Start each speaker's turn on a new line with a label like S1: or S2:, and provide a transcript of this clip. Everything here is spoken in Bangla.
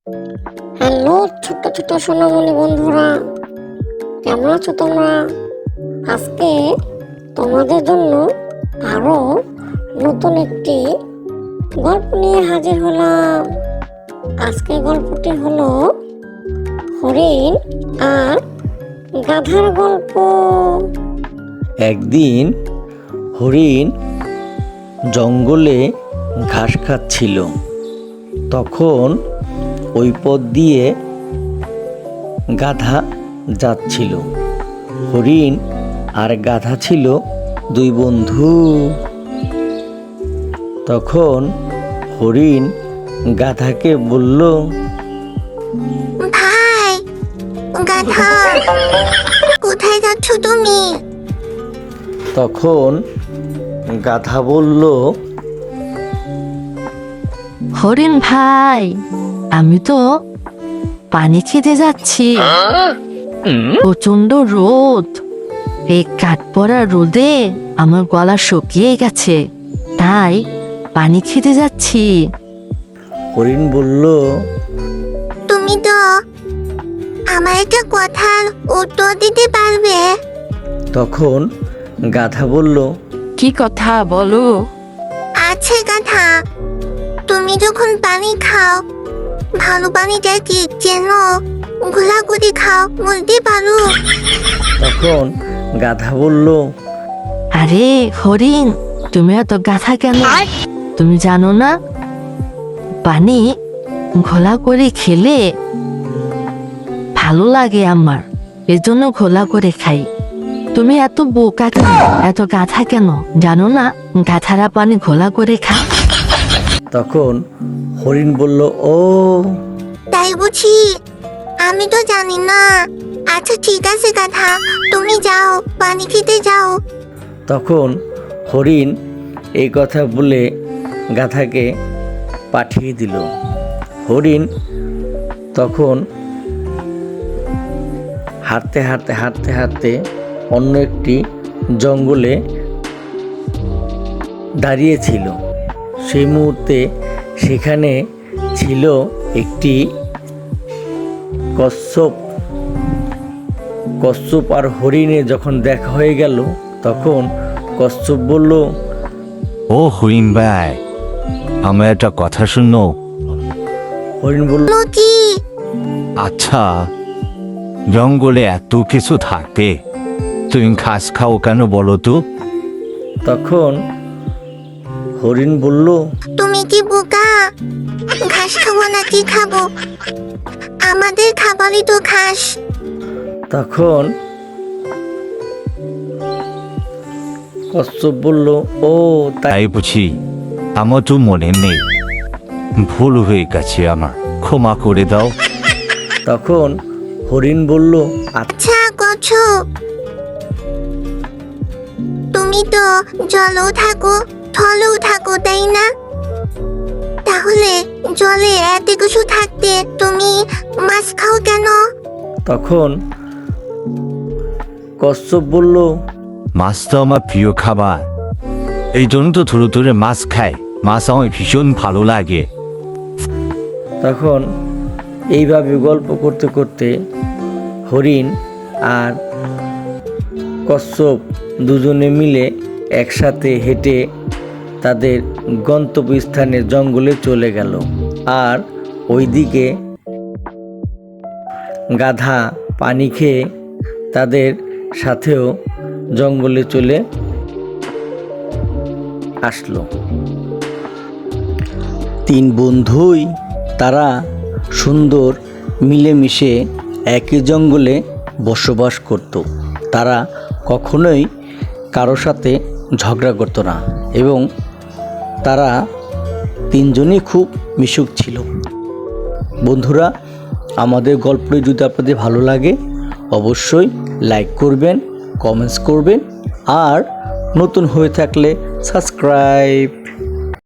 S1: হ্যালো ছোট্ট ছোট্ট সোনামণি বন্ধুরা, কেমন আছো তোমরা? আজকে তোমাদের জন্য আরো নতুন একটি গল্প নিয়ে হাজির হলাম। আজকে গল্পটি হলো হরিণ আর গাধার গল্প।
S2: একদিন হরিণ জঙ্গলে ঘাস খাচ্ছিল। তখন ওই পথ দিয়ে গাধা যাচ্ছিল। হরিণ আর গাধা ছিল দুই বন্ধু। তখন হরিণ গাধাকে বলল,
S3: ভাই গাধা, কোথায় যাচ্ছ তুমি?
S2: তখন গাধা বলল,
S4: হরিণ ভাই, আমি তো পানি খেতে যাচ্ছি। প্রচন্ড রোদ, এই কাঠ পড়া রোদে আমার গলা শুকিয়ে গেছে, তাই পানি খেতে যাচ্ছি।
S2: হরিণ বলল,
S3: তুমি তো আমার একটা কথার উত্তর দিতে পারবে?
S2: তখন গাধা বলল,
S4: কি কথা বলো?
S3: আছে গাধা, তুমি যখন পানি খাও, ভালো পানিটা কি চেনো? ঘোলা করে খাও, বলতে পারো?
S2: তখন গাধা বলল,
S4: আরে হরিণ, তুমি এত গাধা কেন? তুমি জানো না পানি ঘোলা করে খেলে ভালো লাগে আমার, এজন্য ঘোলা করে খাই। তুমি এত বোকা কেন, এত গাধা কেন? জানো না গাধারা পানি ঘোলা করে খায়?
S2: তখন হরিণ বলল, ও
S3: তাই বুঝি? আমি তো জানি না। আচ্ছা ঠিক আছে গাধা, তুমি যাও, পানি খেতে যাও।
S2: তখন হরিণ এই কথা বলে গাধাকে পাঠিয়ে দিল। হরিণ তখন হাঁটতে হাঁটতে হাঁটতে হাঁটতে অন্য একটি জঙ্গলে দাঁড়িয়েছিল। সেই মুহূর্তে সেখানে ছিল একটি কচ্ছপ। কচ্ছপ আর হরিণে যখন দেখা হয়ে গেল, তখন কচ্ছপ বলল,
S5: ও হরিণ ভাই, আমার একটা কথা শুনো।
S2: হরিণ বলল,
S3: কি?
S5: আচ্ছা, জঙ্গলে এত কিছু থাকতে তুমি ঘাস খাও কেন বলো তো?
S2: তখন হরিণ বলল,
S3: তুমি কি বোকা? ঘাস খাবো নাকি খাবো? আমাদের খাবারই তো ঘাস।
S2: তখন কচ্ছপ বলল, ও তাই?
S5: তাই বুঝি? আমার তো মনে নেই, ভুল হয়ে গেছে আমার, ক্ষমা করে দাও।
S2: তখন হরিণ বলল,
S3: আচ্ছা কচ্ছপ, তুমি তো জলেও থাকো, থলেও থাকো, তাই না? তাহলে জলে এত কিছু থাকতে তুমি মাছ খাও কেন?
S2: তখন কচ্ছপ বলল,
S5: মাছ তো আমার প্রিয় খাবার, এই জন্য তো ধরে ধরে মাছ খাই। মাছ আমার ভীষণ ভালো লাগে।
S2: তখন এইভাবে গল্প করতে করতে হরিণ আর কচ্ছপ দুজনে মিলে একসাথে হেঁটে তাদের গন্তব্যস্থানে জঙ্গলে চলে গেল। আর ওইদিকে গাধা পানি খেয়ে তাদের সাথেও জঙ্গলে চলে আসলো। তিন বন্ধুই তারা সুন্দর মিলেমিশে একই জঙ্গলে বসবাস করত। তারা কখনোই কারো সাথে ঝগড়া করতো না এবং তারা তিনজনই খুব মিশুক ছিল। বন্ধুরা, আমাদের গল্পটি যদি আপনাদের ভালো লাগে অবশ্যই লাইক করবেন, কমেন্টস করবেন আর নতুন হয়ে থাকলে সাবস্ক্রাইব।